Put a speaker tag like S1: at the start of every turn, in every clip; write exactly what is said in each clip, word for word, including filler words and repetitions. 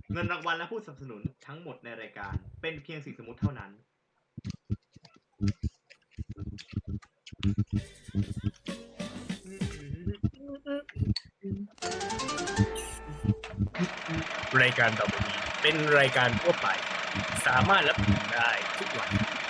S1: เงินรางวัลและผู้สนับสนุนทั้งหมดในรายการเป็นเพียงสิ่งสมมุติเท่านั้น
S2: รายการต่อไปนี้เป็นรายการทั่วไปสามารถรับชมได้ทุกวัน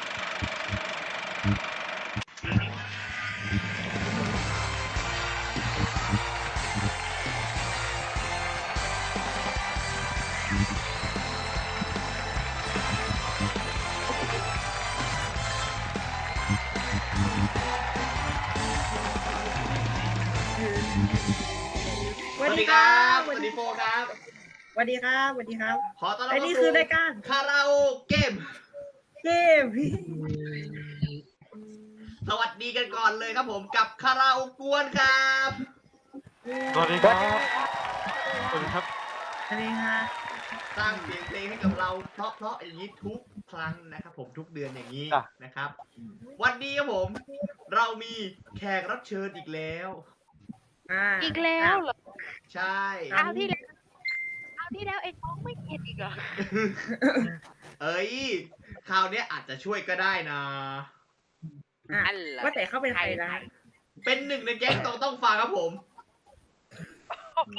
S1: สวัสดีครับสวัสดีโฟครับ
S3: สวัสดีครับสวัสดีครับ
S1: ขอต้อนรับ
S3: และนี่
S1: เข้า
S3: คือ
S1: สู่
S3: รายการ
S1: คาราโอเกม
S3: เกมพี่
S1: สวัสดีกันก่อนเลยครับผมกับคาราโอกวนครับ
S4: สวัสดีครับสวัสดีครับ
S3: สวัสดีค่ะ
S1: สร้างเสียงเพลงให้กับเราเพราะๆอย่างนี้ทุกครั้งนะครับผมทุกเดือนอย่างนี้
S4: จ้ะ
S1: นะครับ วันนี้ครับผมเรามีแขกรับเชิญอีกแล้ว
S3: อ่า
S5: อีกแล้วเหรอ
S1: ใช่
S5: คราวที่แล้วคราวที่แล้วไอ้น้องไม่เก็ตอีกเหรอ
S1: เอ้ยคราวเนี้ยอาจจะช่วยก็ได้นะ
S3: อ่ะ
S5: อันเหรอ
S3: ว่าแต่เขาเป็นใครนะ
S1: เป็นหนึ่งในแก๊งต้องต้องฟังครับผม
S5: โอ้โห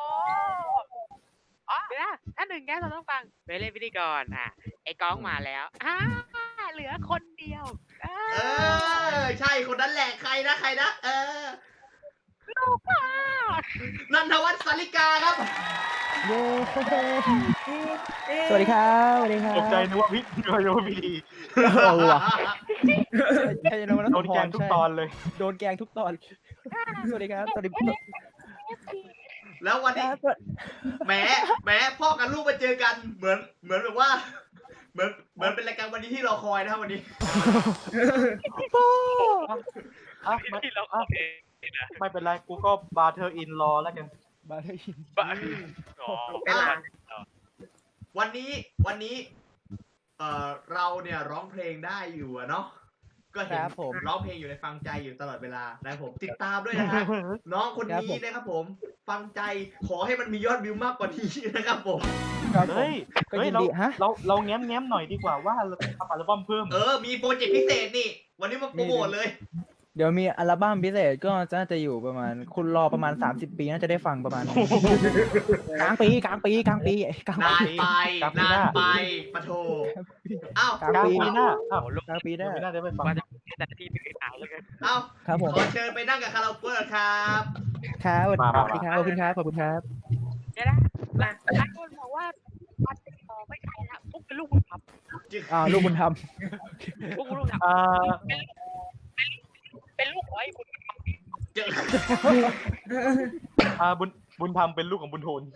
S5: อ๋อเดี๋ยวนะถ้าหนึ่งแก้เราต้องฟังไปเล่นพิธีกรอ่ะ ไอ้ก้องมาแล้วอ่าเหลือคนเดียวอ่า
S1: เออใช่คนนั้นแหละใครนะใครนะเออ
S5: ลูกพ่อ
S1: นันทวัฒน์สาริกาครับ
S6: เย้
S3: เอ๊ะ
S6: สวัสดีครับสวัสดีครับ
S4: ตกใจนึกว่าพี่นึกว่าพี่ดี
S6: เออว่ะใช่โดน
S4: โดนแกล้งทุกตอนเลย
S6: โดนแกงทุกตอน สวัสดีครับ สวัสดี
S1: แล้ววัน
S6: ค
S1: นี้
S6: รับ
S1: แหมแหมพ่อกับลูกมาเจอกันเหมือนเหมือนแบบว่า เหมือนเหมือนเป็นรายการวันนี้ที่รอคอยนะครับวันนี้
S4: อ่ะไม่
S5: ที่เรา
S4: อ่ะ
S5: เอง
S4: ไม่เป็นไร กูก็บาร์เธอร์อินรอแล้วกัน
S6: บาร์เทอร์อิน
S5: บ้าอ๋อ
S3: เป็นไร
S1: วันนี้วันนี้ เอ่อเราเนี่ยร้องเพลงได้อยู่อะเนาะก็
S6: ค
S1: เห็น
S6: รับผม
S1: ร้องเพลงอยู่ในฟังใจอยู่ตลอดเวลานะครับผมติดตามด้วยนะฮะ น้องคน
S6: ครับ
S1: นี้
S6: ผม
S1: นะครับผม ฟังใจขอให้มันมียอดวิวมากกว่านี้นะครับผม
S6: ครับผม
S4: เฮ้ย
S6: ก็
S4: เฮ้ย
S6: ยิน
S4: เรา
S6: ดีฮะ
S4: เราเราแง้มแง้มหน่อยดีกว่าว่าเราทำอัลบั้มเพิ่ม
S1: เออ มีโปรเจกต์พิเศษนี่ วันนี้มาโปรโมทเลย
S6: เดี๋ยวมีอัลบั้มพิเศษก็จะจะอยู่ประมาณ คุณรอประมาณ สามสิบ ปีน่าจะได้ฟังประมาณ กลางปีกลางปีกลางปีกลาง
S1: นาน
S6: ปี
S1: ไป
S4: กลางปี
S1: นา
S4: ห
S1: น
S4: น้า
S1: ไปปะโทอ้าว
S6: กลาง
S4: กลาง
S6: ปี
S4: ปีหน้าอ้าว
S6: กลางปีได้
S4: ไม่น่าจะไปฟัง
S5: ว่าจะแต่ที่ไม่เคยถามเลยกัน
S1: เอ้า
S6: ครับผม
S1: ขอเชิญไปนั่งกับคาราโอเกะครับ
S6: ครับสวัส
S4: มามามา
S6: ดีครับขอบคุณครับขอบคุณครับ
S5: เดี๋ยวนะหลายคนบอกว่าวันติดต่อไม่ใช่ละพวกเป็นลูกบุญธรรม
S6: อ่าลูกบุญธรรม
S5: พวกลูกธรรม
S4: อ่า
S5: เป็นลูกของไอ้บุญธรรม
S1: เจอ
S4: อ่าบุญบุญธรรมเป็นลูกของบุญโทน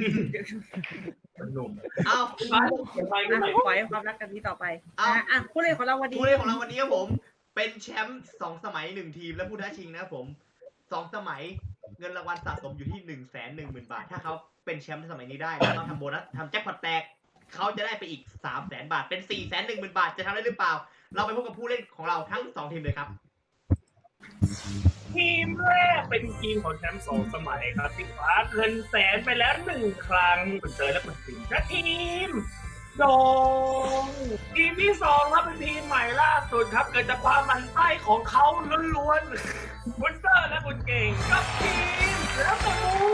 S1: เอ้า
S3: อ่ะขอให้ความรักกันนี้ต่อไป
S1: เอา
S3: อ่ะอ่ะผู้เล่นของเราวันนี้
S1: ผู้เล่นของเราวันนี้ครับผม เป็นแชมป์สองสมัยหนึ่งทีมและผู้ท้าชิงนะครับผมสองสมัยเงินรางวัลสะสมอยู่ที่หนึ่งแสนหนึ่งหมื่นบาท ถ้าเขาเป็นแชมป์สมัยนี้ได้แล้วเราทำโบนัสทำแจ็คพอตแตกเขาจะได้ไปอีกสามแสนบาทเป็นสี่แสนหนึ่งหมื่นบาทจะทำได้หรือเปล่า เราไปพบกับผู้เล่นของเราทั้งสองทีมเลยครับ
S2: ทีมแรกเป็นทีมของแชมป์สองสมัยครับที่คว้าเงินแสนไปแล้วหนึ่งครั้งคุณเตยและคุณสิงห์และทีมโดงทีมที่สองครับเป็นทีมใหม่ล่าสุดครับเกิดจากความหมันไส้ของเขาล้วนๆคุณเตอร์และคุณเก่งกับทีมแล้วก็มู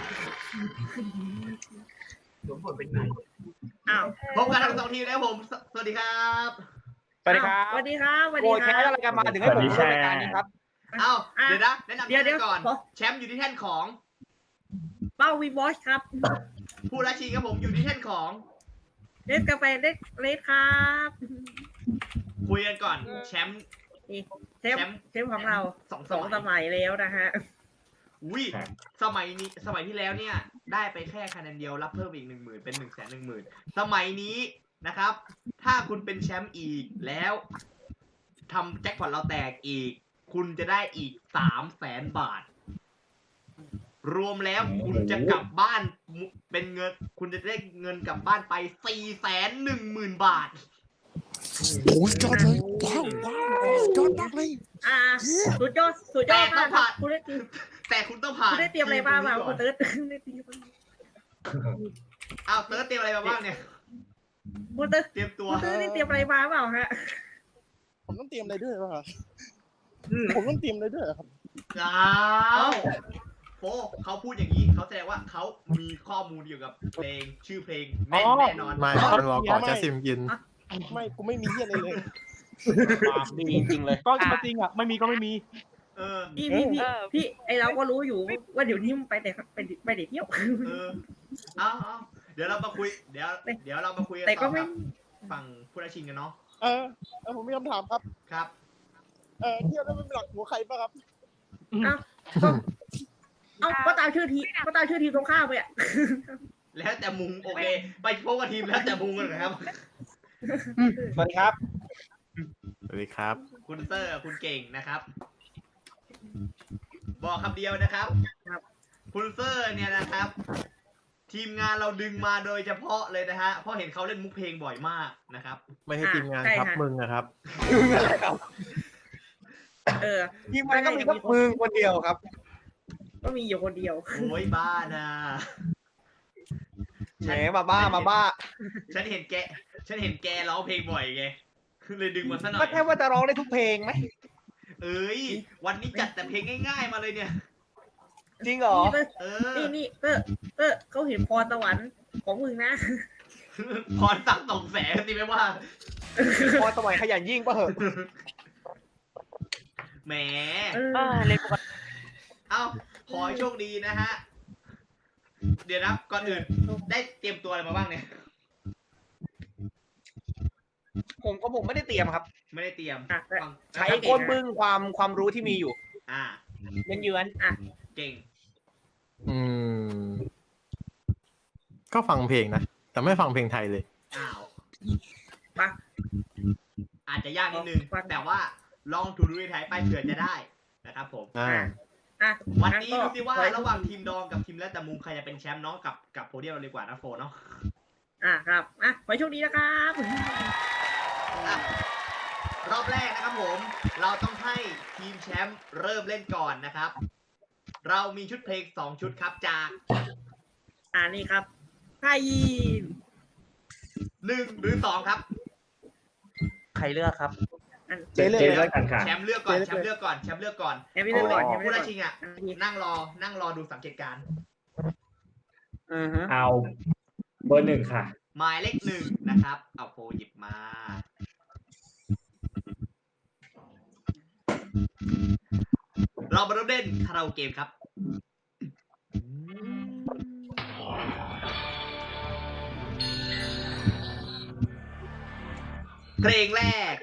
S2: สมผลเป็นไง
S3: อ้าว
S1: พบกันทั้งสองทีมนะครับผม สสวัสดีครับ
S7: สวัสดีครับ
S3: สวัสดีครับสวัส
S7: โอ้
S3: ดี
S7: แค
S3: ค
S7: ส
S3: รับ
S7: อะไรกันมาถึงให้ผมมาร่วมรายการนี้ครับ
S1: เอ้า
S3: อ่ะ
S1: เดี๋ยวนะแนะนำ
S3: เดี๋ยวเดี๋
S1: ที
S3: ยว
S1: มก่อน
S3: ขอ
S1: แชมป์อยู่ที่แท่นของ
S3: เป้าวีบอสครับ
S1: ผู้ท้าชิงครับผมอยู่ที่แท่นของ
S3: เล่นกาแฟเล็กเล็กครับ
S1: คุยกันก่อนแชมป์
S3: นี่เทป
S1: แชมป์
S3: เทปของเรา
S1: สองส
S3: สอง
S1: มัย
S3: สมัยแล้วนะฮะ
S1: อุ้ยสมัยนี้สมัยที่แล้วเนี่ยได้ไปแค่คะแนนเดียวรับเพิ่มอีกหนึ่งหมื่นเป็นหนึ่งแสนหนึ่งหมื่นสมัยนี้นะครับ ถ้าคุณเป็นแชมป์อีกแล้วทำแจ็คพอตเราแตกอีก คุณจะได้อีกสามแสนบาท รวมแล้วคุณจะกลับบ้านเป็นเงิน คุณจะได้เงินกลับบ้านไปสี่แสนหนึ่งหมื่นบาท
S8: โอ้ยยอดเลยว้าวว้าวยอดมากเลย
S3: อ่าสุดยอดสุดยอดมากครับคุณได้เตรียม
S1: แต่คุณต้องผ่าน
S3: คุณได้เตรียมอะไรบ้างมา
S1: ที
S3: คุณ
S1: นี้ก่อน
S3: เติร์ดได้เตรียมอะไร
S1: อ้าวเติร์ดเตรียมอะไรมาบ้างเนี่ย
S3: คุณเตอร์
S1: เตรียมตัว
S3: คุณเตอร์นี่เตรียมอะไรมาเปล่าฮะ
S8: ผมต้องเตรียมอะไรด้วยป่ะครับ
S3: อืม
S8: ผมต้องเตรียมอะไรด้วยเหรอครับ
S1: อ้าวโฟเขาพูดอย่างนี้เขาแสดงว่าเขามีข้อมูลเกี่ยวกับเพลงชื่อเพลงแน่นแน่นอน
S4: ไม่มันรอก่อนจะซิมกิน
S8: ไม่กูไม่มีเหี้ยอะไรเลย
S7: ปากดีจริงๆเลย ก็จริงอ่ะ ไม่มีก็ไม่มี
S1: เออ
S3: พี่พี่พี่พี่ไอเราก็รู้อยู่ว่าเดี๋ยวนี้มันไปแต่ไปไปเด็กเที่ยว
S1: เออเอาเอาเดี๋ยวเรามาคุยเดี๋ยวเดี๋ยวเรามาคุยกัน
S3: แต่
S1: ต่
S3: ก็
S1: อ
S3: ไม่
S1: กับฝั่งผู้ราชินกันเนาะ
S8: เออเออผมมีคำถามครับ
S1: ครับ
S8: เออเที่ยวแล้วมันเป็นหลักหัวใครป่ะครับ
S3: เอ้าก็เอ้าก็ตามชื่อทีก็ตามชื่อทีมตรงข้ามไปอ่ะ
S1: แล้วแต่มุงโอเค ไปพบกับทีมแล้วแต่มุงกันนะครับ
S7: สวัสดีครับ
S4: สวัสดีครับ
S1: คุณเซอร์คุณเก่งนะครับ บอกคำเดียวนะครับ
S3: ครับ
S1: คุณเซอร์เนี่ยนะครับ ทีมงานเราดึงมาโดยเฉพาะเลยนะฮะเพราะเห็นเขาเล่นมุกเพลงบ่อยมากนะครับ
S4: ไม่ให้ทีมงานครับมึงนะครับ
S3: เออ
S7: ทีมงานก็มีก็มึงคนเดียวครับ
S3: ก็มีอยู่คนเดียว
S1: โอ้ยบ้านะ
S7: แหมมาบ้ามาบ้า
S1: ฉันเห็นแก ฉันเห็นแกร้องเพลงบ่อยไงเลยดึงมาซะหน่อ
S7: ก็
S1: ย
S7: แค่ว่าจะร้องได้ทุกเพลงไหม
S1: เอ้ย วันนี้จัดแต่เพลงง่ายๆมาเลยเนี่ย
S7: จริงเหรอ
S3: นี่เตอร์
S1: เออ
S3: นี่นี่เตอร์เตอร์เขาเห็นพรสวรรค์ของมึงนะ
S1: พรสั่งส่งแสงสิไม่ว่า
S7: พอสมัยขยันยิ่งป่ะเหอะ
S1: แหม
S3: เออ
S5: เลยปกติ
S1: เอ้า ขอให้โชคดีนะฮะ เดี๋ยวนะก่อนอื่น ได้เตรียมตัวอะไรมาบ้างเนี่ย
S7: ผมก็ผมไม่ได้เตรียมครับ
S1: ไม่ได้เตรียม
S3: อ่ะ
S1: ฟัง
S7: ใช้ก้นบึ้งความความรู้ที่มีอยู่
S1: อ่า
S7: เยือนเยือน
S1: เก่ง
S4: อืม ก็ฟังเพลงนะ แต่ไม่ฟังเพลงไทยเลย
S1: อ้าว
S3: มา
S1: อาจจะยากนิดนึง
S3: ฟัง
S1: แต่ว่าลองถูดูในไทยไปเผื่อจะได้นะครับผม
S4: อ่า
S3: อ่ะ
S1: วันนี้ดูสิว่า
S3: งั้นก็
S1: ระหว่างทีมดองกับทีมและแต่มุมใครจะเป็นแชมป์เนาะกับกับโพเดียมเราดีกว่านะโฟเนาะ
S3: อ่ะครับอ่ะขอให้โชคดีนะครับ
S1: อ่ะรอบแรกนะครับผม เราต้องให้ทีมแชมป์เริ่มเล่นก่อนนะครับ เรามีชุดเพลงสองชุดครับจาก
S3: อ่านี่ครับไทย
S1: หนึ่งหรือสองครับ
S7: ใครเลือกครับ
S3: อัน
S8: เจ๊เลย
S1: แชมป์เลือกก่อนแชมป์เลือกก่อนแชมป์เลือกก่อน
S3: แอมพี่เล่นก่อนแอมพี่
S1: ผู้
S3: เล่น
S1: รา
S3: ก่อน
S1: ชิงอ่ะ
S3: อ่ะนี่
S1: นั่งรอนั่งรอดูสังเกตการณ์
S7: อือฮึ
S9: เอาเบอร์หนึ่งค่ะ
S1: หมายเลขหนึ่งนะครับ เอาโฟหยิบมา เรามาเริ่มเล่นคาราโอเกะครับ เพลงแรก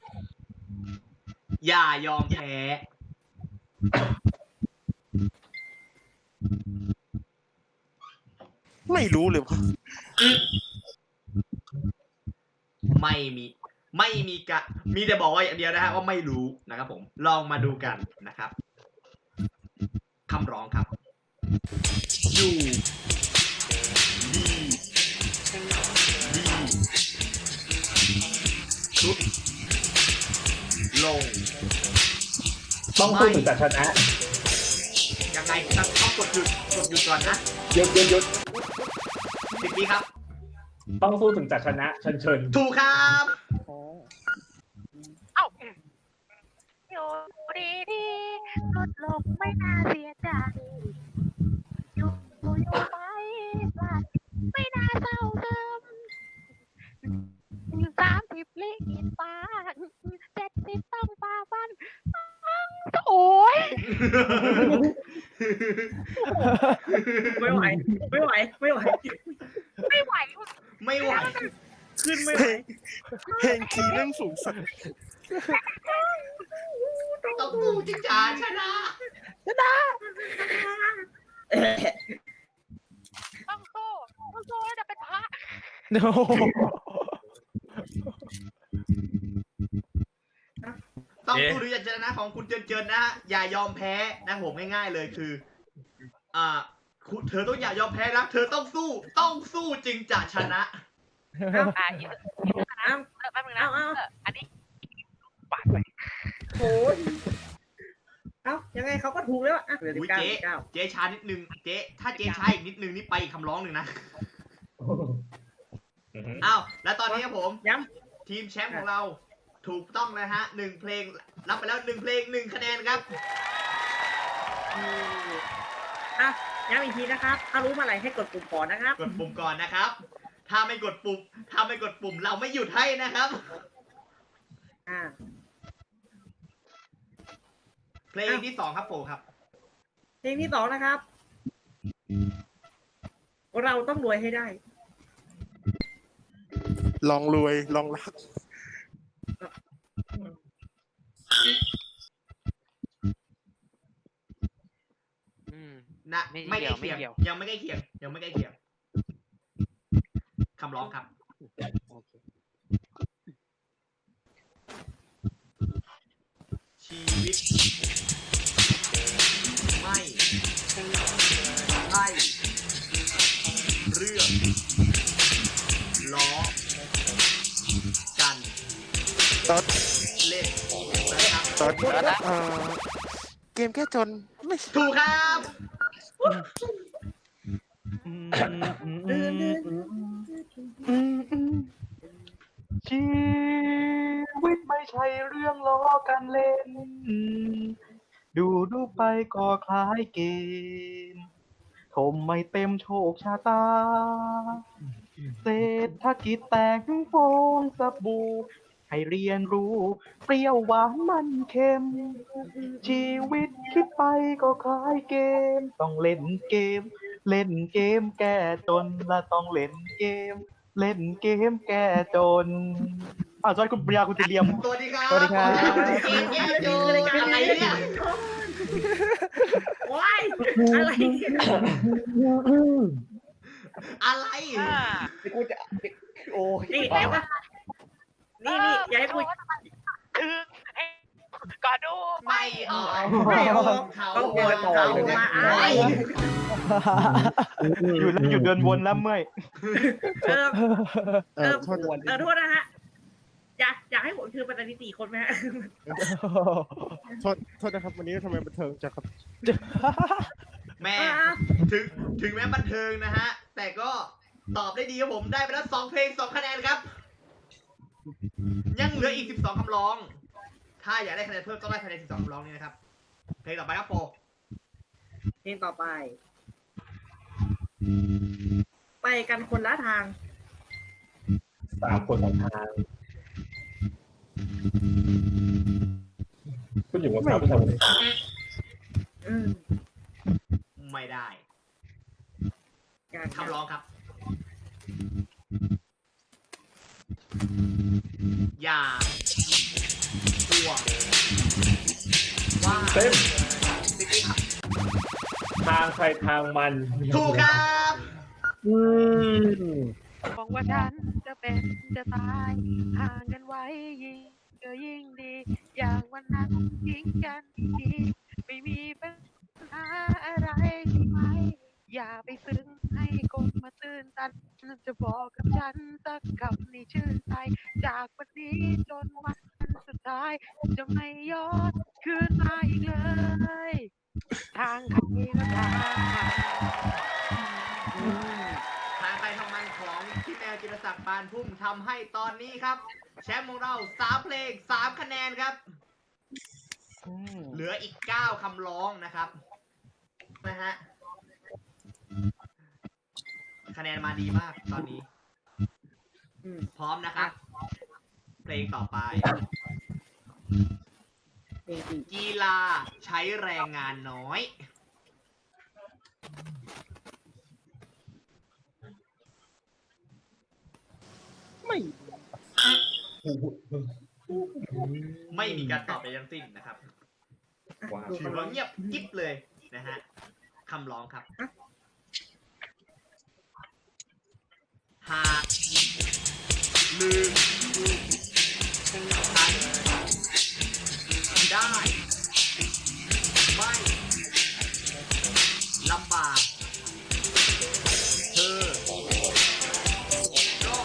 S1: อย่ายอมแพ้
S8: ไม่รู้เลยว่ะ
S1: ไม่มี ไม่มีกะ มีแต่บอกว่าอย่างเดียวนะฮะว่าไม่รู้นะครับผม ลองมาดูกันนะครับคำร้องครับอยู่ดีดีชุดลง
S9: ต้องสู้ถึงจะชนะ
S1: ยังไงต้องต้องกดหยุดกดหยุดก่อนนะ
S9: หยุดหยุดหยุด
S1: สิบวิครับ
S9: ต้องสู้ถึงจะชนะเชิญเชิญ
S1: ถูกครับ
S5: เอ้าอยู่ดีดีๆลดลงไม่น่าเสียใจ อยู่อยู่ไปพลาดไม่น่าเศร้าซึมสามสิบลิขิตฟ้าเจ็ดสิบต้องฟ้าฟันโอ้ย
S3: ไม่ไหวไม่ไหวไม่ไหว
S5: ไม่ไหว
S1: ไม่ไหว
S3: ขึ้นไม่ไหว
S8: เพลงคีย์เรื่องสูงสัก
S1: ต้องกูจิจาชนะ
S5: ต้องสู้ต้องสู้แล้วจะเป็นพระ
S6: โอ้โห
S1: ต้องสู้ดูจะชนะของคุณเจินเจินนะฮะอย่ายอมแพ้นะผมง่ายๆเลยคือ อ่าคุณเธอต้องอย่ายอมแพ้นะเธอต้องสู้ ต้องสู้จึงจะชนะ
S5: อ่ะอีก
S3: เอ้า
S5: เออแป๊บนึงนะ
S3: เอาเอา
S5: เอออันนี้ปาดไป
S3: โอ้ยเอ้ายังไงเขาก็ถูกแล้วอ่ะเหลือสิ
S1: อุ้
S3: บ
S1: ย
S3: เก้า
S1: เจ๊
S3: สิบเก้า
S1: เจ๊ช้านิดนึงเจ๊ถ้าเจ๊ช้าอีกนิดนึงนี่ไปอีกคำร้องหนึ่งนะ
S9: โอ้โห
S1: อ้าวแล้วตอนนี้ครับผม
S3: ย้
S1: ทีมแชมป์ของเราถูกต้องนะฮะหนึ่งเพลงรับไปแล้วหนึ่งเพลงหนึ่งคะแนนครับ
S3: ำอ่ะย้ำอีกทีนะครับ ถ้ารู้เมาอะไรให้กดปุ่มก่อนนะครับ
S1: กดปุ่มก่อนนะครับ ถ้าไม่กดปุ่มถ้าไม่กดปุ่มเราไม่หยุดให้นะครับ
S3: อ่า
S1: เพลงที่สองครับโฟครับ
S3: เพลงที่สองนะครับ เราต้องรวยให้ได้
S8: ลองรวยลองรัก
S5: อืม
S1: นะ
S5: ไม่
S1: ไม่
S5: เกี่
S1: ใก
S5: ย
S1: ล้ว เคียง
S5: ไม่เกี่ยว
S1: ยังไม่ใกล้เคียงยังไม่ใกล้เคียงคำร้องครับ
S5: โอเค
S1: ชีวิต ไม่ใช่เรื่องล้อกัน
S8: ตอน
S1: เล่นนะครับ
S8: ตอนเอ่อเกมแค่จนไม่
S1: ถูกครับ
S7: ชีวิตไม่ใช่เรื่องล้อกันเล่น ดูดูไปก็คล้ายเกมถมไม่เต็มโชคชะตา เศรษฐกิจแตกถึงฟองสบู่ให้เรียนรู้ เปรี้ยวหวานมันเค็ม ชีวิตคิดไปก็คล้ายเกม ต้องเล่นเกม เล่นเกมแก้จนและต้องเล่นเกม เล่นเกมแก้จนอ้าวสวัสดีคุณปริยาคุณติเลียม
S1: สวัสดีครับ
S6: สวัสดีครับ
S1: เกมแย่โจอะไรเนี่ย
S3: ว้ายอะไรเนี่ย
S1: อะไร
S5: อ่า
S6: กูจะโอ้ย
S3: นี่ไหนวะนี่นี่อย่าให้กู
S5: ถึงไอ้ก่อนดู
S1: ไม่ออก
S3: ไม่ออก
S1: เขา
S3: เขาโวยต่อเลยนะ
S1: ไอ้
S7: อยู่แล้วอยู่เดินวนแล้วเมื่อย
S3: เออ
S8: เอ
S3: เอ
S8: อ
S3: อ
S8: โทษ
S3: เออโทษนะฮะ อยากอยากให้ผมคือปัตตานีสี่คนไหมฮะ
S8: โทษโทษนะครับ วันนี้ทำไมบันเทิงจังครับ
S1: แม่
S3: อ่ะ
S1: ถึงถึงแม้บันเทิงนะฮะ แต่ก็ตอบได้ดีครับผมได้ไปแล้วสองเพลงสองคะแนนครับ ยังเหลืออีกสิบสองคำร้อง ถ้าอยากได้คะแนนเพิ่มต้องได้คะแนนสิบสองคำร้องนี้นะครับ เพลงต่อไปครับโฟ
S3: เพลงต่อไป ไปกันคนละทาง
S9: สามคนของทาง คุณอยู่บนเสาผู้ชม
S3: อืม
S1: ไม่ได้
S3: การ
S1: คำร้องครับ อย่าห่วงว่า
S9: เต็ม
S1: ติ๊กติ๊กครับ
S9: ทางใครทางมัน
S1: ถูกครับ
S9: อืม
S5: หวังว่าฉันจะเป็นจะตายห่างกันไว้ยิ่งก็ยิ่งดี อย่างวันนั้นทิ้งกันดีไม่มีปัญหาอะไรใช่ไหม อย่าไปซึ้งให้คนมาตื่นตันจะบอกกับฉันสักคำในชื่นใจ จากวันนี้จนวันสุดท้าย จะไม่ย้อนคืนมาอีกเลย ทางใครก็ทางมัน
S1: ทางไปทางมันของพี่แมวจิรศักดิ์ปานพุ่มทำให้ตอนนี้ครับ แชมป์ของเราสามเพลงสามคะแนนครับ เหลืออีกเก้าคำร้องนะครับนะฮะคะแนนมาดีมากตอนนี้
S3: อืม
S1: พร้อมนะครับ เพลงต่อไป
S3: เพลงสี่
S1: กีฬาใช้แรงงานน้อย
S8: ไม่
S1: ไม่มีการตอบใดทั้งสิ้นนะครับ
S9: ว้าว
S1: ถือว่าเงียบกิ๊บเลยนะฮะคำร้องครับ หากลืมฉันได้ ไม่ลำบากเธอก็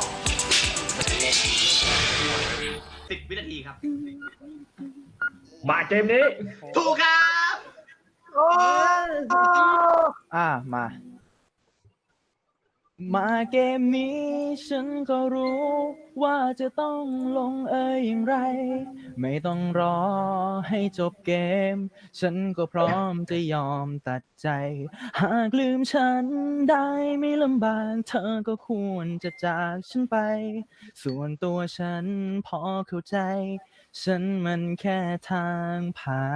S1: สิบวินาทีครับ
S9: มาเกมนี้
S1: ถูกครับ
S3: โอ้
S6: อ่ามามาเกมนี้ฉันก็รู้ว่าจะต้องลงเอยอย่างไร ไม่ต้องรอให้จบเกม ฉันก็พร้อมจะยอมตัดใจ หากลืมฉันได้ไม่ลำบากเธอก็ควรจะจากฉันไป ส่วนตัวฉันพอเข้าใจ ฉันมันแค่ทางผ่าน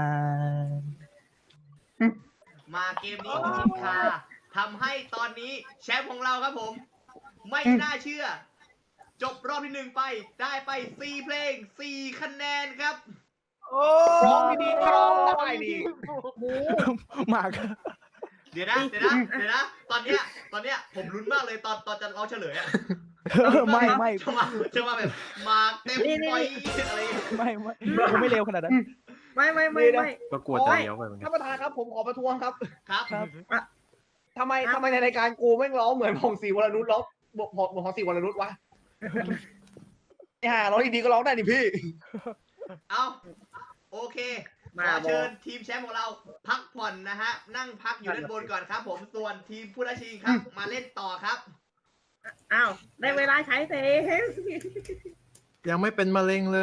S1: มาเกมนี้ของทีมคาทำให้ตอนนี้แชมป์ของเราครับผม ไม่น่าเชื่อ จบรอบที่หนึ่งไปได้ไปสี่เพลงสี่คะแนนครับ
S3: ร้องดีๆร้องได้ดิ
S6: มาก
S1: เดี๋ยวนะเดี๋ยวนะเดี๋ยวนะตอนเนี้ยตอนเนี้ยผมลุ้นมากเลยตอนตอนจะเราเฉลยอะ
S6: ไม่ไม่
S1: จะมาจะมาแบบมาเต็มปอยอะไร
S6: ไม่ไม่ผมไม่เร็วขนาดนั้น
S3: ไม่ไม่ไม่ไม่
S4: ก็กลัวจะเลี้ยวไปเหมือนกัน
S10: ท่านประธานครับผมขอประท้วงครับ
S1: ครับ
S6: ครับ
S10: ทำไมทำไมในรายการกูแม่งร้องเหมือนพงศรีวรนุชร้องบอกบอกบอกพงศรีวรนุชวะไอ้ห่าร้องดีๆก็ร้องได้ดิพี่
S1: เอาโอเคข
S3: มา
S1: อเชิญทีมแชมป์ของเราพักผ่อนนะฮะ นั่งพักอยู่ด้านบนก่อนครับ ผมส่วนทีมผู้ท้าชิงครับ มาเล่นต่อครับ
S3: อ้าวได้เวลาใช้เต็ม
S4: ยังไม่เป็นมะเร็งเลย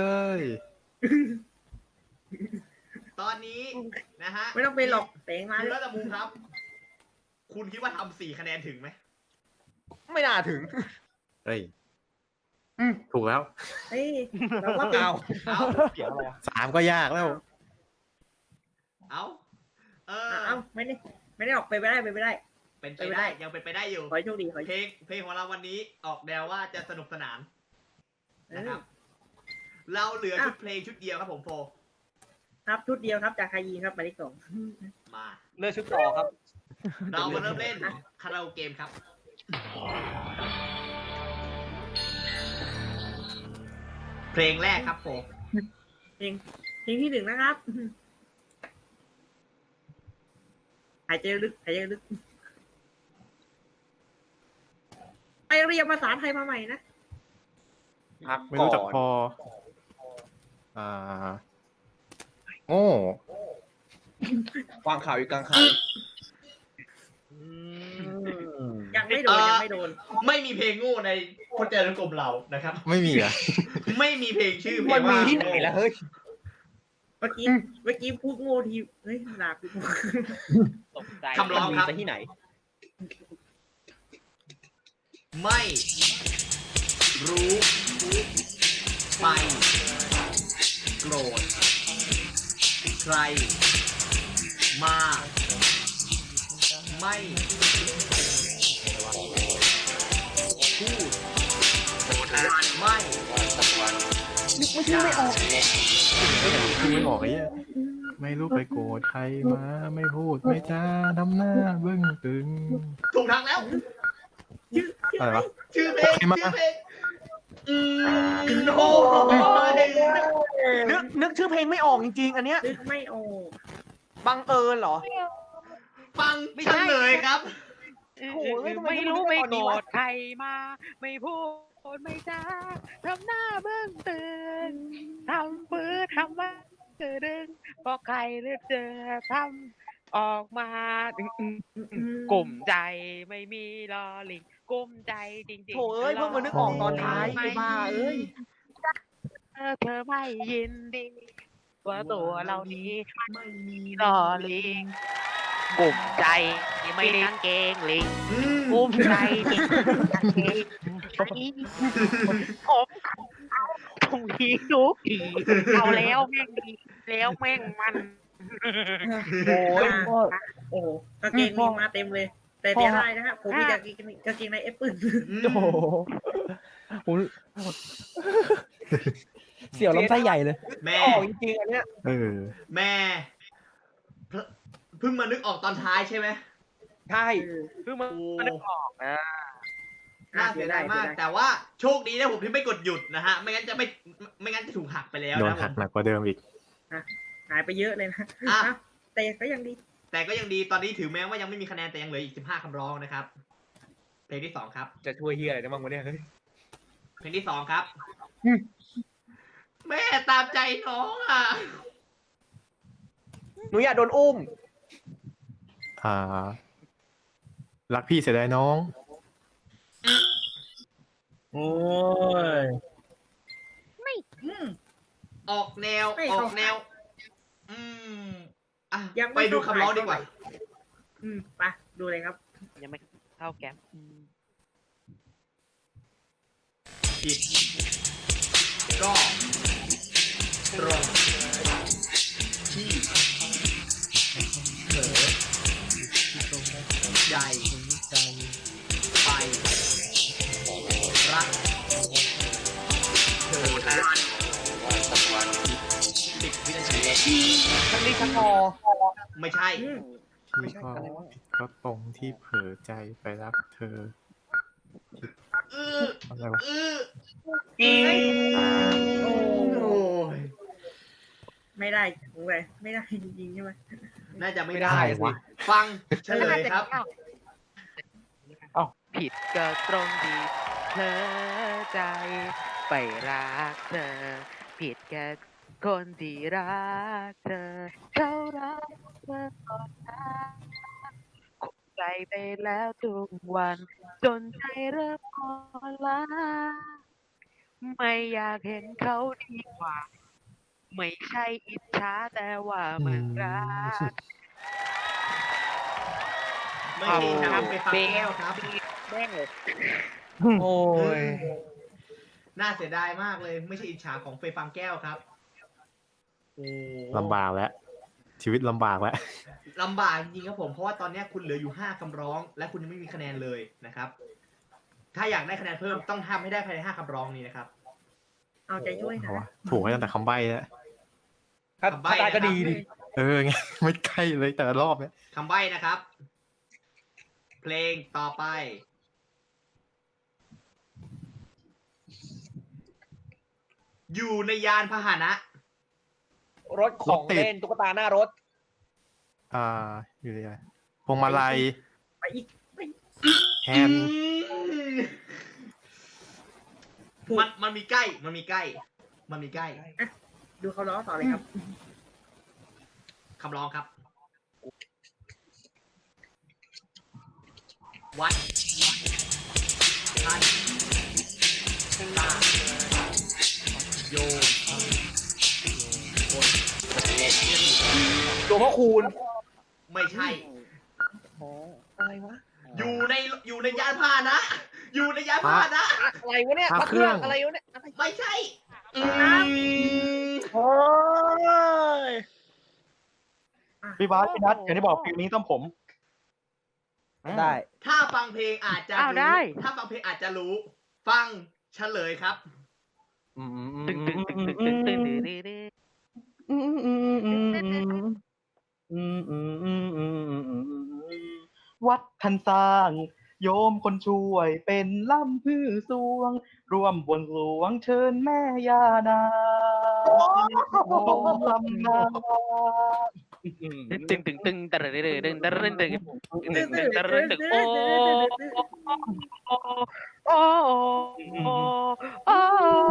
S1: ตอนนี้นะฮะ
S3: ไม่ต้องเป็นหรอกเต็งมา
S1: คุณ
S3: เล
S1: รั
S3: ย
S1: ตมูครับ คุณคิดว่าทำสี่คะแนนถึงไหม
S10: ไม่น่าถึง
S4: เฮ้ย
S10: อืม
S4: ถูกแล้ว
S3: เฮ้ยเราก็เป็น
S10: เอา
S1: เอา
S10: เสียงอะไรอะ
S4: สามก็ยากแล้ว
S1: เอาเออ
S3: เอ้าไม่ได้ไม่ได้ออกไปไม่ได้ไปไม่ได้
S1: เป็นไปได้ยังเป็นไปได้อยู่
S3: ขอให้โชคดีขอให้
S1: เพลงเพลงของเราวันนี้ออกแนวว่าจะสนุกสนานนะครับ เราเหลือชุดเพลงชุดเดียวครับผมโฟ
S3: ครับชุดเดียวครับจากคายีครับหมายเลขสอง
S1: มา
S10: เลือกชุดต่อครับ
S1: เรามาเริ่มเล่นคาราโอเกมครับ เพลงแรกครับโฟ
S3: เพลงเพลงที่หนึ่งนะครับหายใจลึกหายใจลึกไปเรียนภาษาไทยมาใหม่นะ
S10: พัก
S4: ไม่
S10: ก่
S4: รู้จัก
S10: อน
S4: พอ อ่า โง่
S10: ฟังข่าวอยู่กลางคัน
S3: ยังไม่โดนยังไม่โดน
S1: ไม่มีเพลงโง่ในพจนานุกรมเรานะครับ
S4: ไม่มีอ่ะ
S1: ไม่มีเพลงชื่อเพล
S10: มั
S1: ง
S10: นมี
S1: ว่า
S10: ที่ไหนล่ะเฮ้ย
S3: เมื่อกี้เมื่อกี้พูดโง่ทีเฮ้ยหนัก
S1: คำร้องครับ
S10: มันมีที่ไหน
S1: ไม่รู้ไปโกรธใคร มา ไม่พูดไม่
S10: นึกไม่ชื่อไม่ออก
S4: คือไม่บอกไอ้เหี้ยไม่รู้ไปโกรธใครมา ไม่พูดไม่จ้าทำหน้าเบื้องตึง
S1: ถูกทางแล้ว
S3: ชื่อชื่อ
S4: อะไรวะ
S1: ชื่อเพลง
S4: ใครมา
S1: ชื่อเพลงอืมโอ้ย
S10: นึกนึกชื่อเพลงไม่ออกจริงๆ อันเนี้ย
S3: นึกไม่ออก
S10: บังเอิญเหรอ
S1: ฟังเฉลยครับ
S5: เออ
S10: โอ้โห
S5: เออ
S10: ทำไม
S5: ไม่
S10: ไม่รู้
S5: รู้
S10: ไม่
S5: ไม่
S10: ตอนนี้
S5: โกร
S10: วะ
S5: ธใครมา ไม่พูดไม่จาทำหน้าเบื้องตื่นทำปื้อทำว่าเกิดดึงก็ใครเลือกเจอทำออกมาอืมอืมอืมกลุ่มใจไม่มีลอลิงกลุ่มใจจริงๆ
S10: โถเอ้ยเพิ่งมานึกออกตอนท้าย
S5: ไม่
S10: ไอ้บ้าเอ้ย
S5: เธอเธอไม่ยินดีว่าตัวเรานี้ไม่มีลอลิงกลุ่มใจไม่ได้กางเกงลิง
S1: อืม
S5: ภูมิใจจริงผมตรงนี้ทุกทีเอาแล้วแม่งดีแล้วแม่งมัน
S3: โอ้ยโอ้โหกางเกงมีมาเต็มเลย แต่เสียดายนะฮะผมมีกางเกงกางเกงในเอฟปืน
S6: โอ้โหผมเสี่ยวลำไส้ใหญ่เลย
S1: แม่
S10: ออกจริงๆอันเนี้ย
S4: เออ
S1: แม่เพิ่งเพิ่งมานึกออกตอนท้ายใช่ไหม
S10: ใช่
S5: เพิ่งมา
S1: โอ้
S5: นึกออกนะ
S1: น่าเสียดายมาก แต่ว่าโชคดีนะผมที่ไม่กดหยุดนะฮะ ไม่งั้นจะไม่ไม่งั้นจะถูกหักไปแล้ว
S4: โดน
S1: นะผ
S4: หัก
S1: ม
S4: หนักกว่าเดิมอีก
S3: หายไปเยอะเลยนะ
S1: อ่ะ
S3: แต่ก็ยังดี
S1: แต่ก็ยังดีตอนนี้ถือแม้ว่ายังไม่มีคะแนนแต่ยังเหลืออีกสิบห้าคำร้องนะครับ เพลงที่สองครับ
S10: จะช่วยเฮียอะไรได้บ้างวะเนี่ยเฮ้ย
S1: เพลงที่สองครับ
S10: อืม
S1: แม่ตามใจน้องอ่ะ
S10: หนูอยากโดนอุ้ม
S4: อ่า รักพี่เสียดายน้อง
S3: โอ้ย
S5: ไม่
S3: อืม
S1: ออกแนว
S3: ไม่
S1: อ
S3: เข้า
S1: อกแนว อืมอ่ะ
S3: ยังไม่
S1: ไปดู
S3: เข้า
S1: คำร้อง
S3: ข่าย
S1: ดีกว่า
S3: อืมไปดูเลยครับ
S5: ยังไม่เข้าแก๊ปอืม
S1: ผิดก็ตรงที่เผลอใจไปรักเธอสิบวินาที
S10: ชักนี้ชักงอ
S1: ไม่ใช่
S3: อืม
S4: พี่ก็ก็ตรงที่เผลอใจไปรักเธอ
S1: อือ
S4: อะไรวะ
S1: อือ
S3: เอ้ยโอ้
S1: โอ้ย
S3: ไม่ได้โอ้ยไม่ได้จริงๆใช่ไหม
S1: น่าจะไม่
S10: ไม่
S1: ได้
S10: ได้
S4: วะ
S1: ฟังเฉลยครับ
S5: ผิดก็ตรงที่เธอใจไปรักเธอ ผิดแค่คนที่รักเธอ เขารักเธอก่อนนะคงใจไปแล้วทุกวัน จนใจเริ่มอ่อนล้าไม่อยากเห็นเขาดีกว่า ไม่ใช่อิจฉาแต่ว่ามันรัก
S1: ไม่ใช่ทางไปฟังแก้วครับ
S5: แม่งเลย
S10: โอ้ย
S1: น่าเสียดายมากเลย ไม่ใช่อิจฉาของเฟยฟังแก้วครับโอ้
S4: ลำบากแล้ว ชีวิตลำบากแล้ว
S1: ลำบากจริงๆครับผม เพราะว่าตอนนี้คุณเหลืออยู่ห้าคำร้อง และคุณยังไม่มีคะแนนเลยนะครับ ถ้าอยากได้คะแนนเพิ่มต้องทำให้ได้ภายในห้าคำร้องนี้นะครับ
S3: เอาใจช่วย
S4: เอา
S3: นะ
S4: วะถูกให้ตั้งแต่คำใบ้แล้ว
S10: ถ้า
S1: คำใบ้
S10: ถ้าได้ก็
S1: นะครับ
S10: ดีดิ
S4: เออไง ไม่ใกล้เลยแต่ละรอบเนี่ย
S1: คำใบ้นะครับ เพลงต่อไป อยู่ในยานพาหนะ
S10: รถของเล่นตุ๊กตาหน้ารถ
S4: อ่า อยู่ที่ไหนพวงมาลัย
S3: ไปอีกไป
S4: แฮนด์
S1: มันมันมีใกล้ มันมีใกล้ มันมีใกล้
S3: ดูเขาล้อต่อเลยครับ
S1: คำร้องครับ วัดท่านตาโยมคน
S10: ตัวพ่อคูณ
S1: ไม่ใช่
S10: อะไรวะ
S1: อยู่ในอยู่ในยานพาหนะ อยู่ในยานพาหนะ
S10: อะไรวะเนี่ยพระเครื่องอะไรวะเนี่ยอะไร
S1: ไม่ใช่อืม
S10: โอ้ย
S7: พี่บาสพี่นัทอย่างที่บอกฟิลนี้ต้องผม ได้
S1: ถ้าฟังเพลงอาจจะ
S5: อ้าว
S1: รู้
S5: ได้
S1: ถ้าฟังเพลงอาจจะรู้ ฟังเฉลยครับ
S5: ตึงตึงตึงตึงตึงตึงตึงตึง
S7: วัดท่านสร้าง โยมคนช่วยเป็นล่ำพื้สวง ร่วมบนหลวงเชิญแม่ย่านางลำนา
S5: ตึงตึงตึงตึงตึงตึงตึงตึงตึงตึงตึงตึงตึงตึงโอ้โอ้โอ้โอ้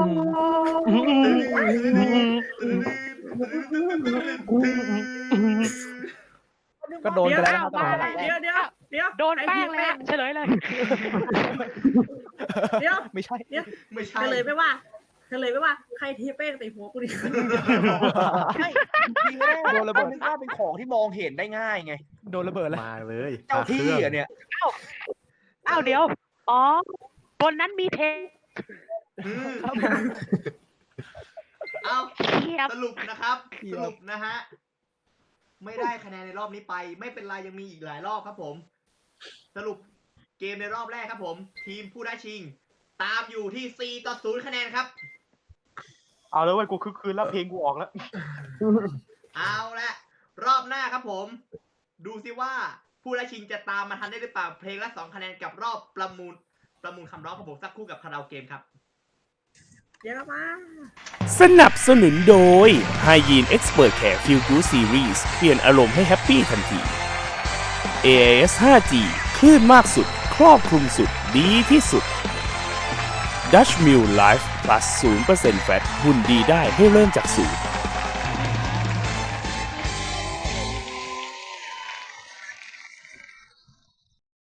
S7: ก็โดนไปแล้ว
S3: เดี๋ยวเดี๋ยวเดี๋ยวเดี๋ยว
S5: โดนแป้งเลยเฉลยเลย
S3: เดี๋ยว
S7: ไม่ใช่
S3: เดี๋ยว
S1: ไม่ใช่
S3: เฉลยไม่ว่าเฉลยไม่ว่าใครเทแป้งใส่หัวกูดิ
S10: ไม่จริงๆแล้วโดนระเบิดนึกว่าเป็นของที่มองเห็นได้ง่ายไง
S7: โดนระเบิดแล้ว
S4: มาเลย
S10: เจ้าที่
S4: พระครื่ง
S10: อ่ะเนี่ย
S5: อ้าวเดี๋ยว อ๋อ บนนั้นมีเพลง
S1: อืมเอา
S5: เทียบ
S1: สรุปนะครับ สรุปนะฮะ ไม่ได้คะแนนในรอบนี้ไป ไม่เป็นไรยังมีอีกหลายรอบครับผม สรุปเกมในรอบแรกครับผม ทีมผู้ได้ชิง ตามอยู่ที่สี่ต่อศูนย์คะแนนครับ
S7: เอาแล้วเว้ยกูคึกคืนแล้วเพลงกูออกแล้ว
S1: เอาละรอบหน้าครับผม ดูซิว่าผู้ได้ชิงจะตามมาทันได้หรือเปล่า เพลงละสองคะแนนกับรอบประมูล ประมูลคำร้องของผมสักครู่กับคาราโอเกมครับ
S3: เดี๋ยวมา
S11: สนับสนุนโดย ไฮยีน Expert Care Feel Good Series เปลี่ยนอารมณ์ให้แฮปปี้ทันที เอ ไอ เอส ห้าจี คลื่นมากสุด ครอบคลุมสุด ดีที่สุด Dutch Mill Life Plus ศูนย์เปอร์เซ็นต์ แฟต หุ่นดีได้ให้เริ่มจากศูนย์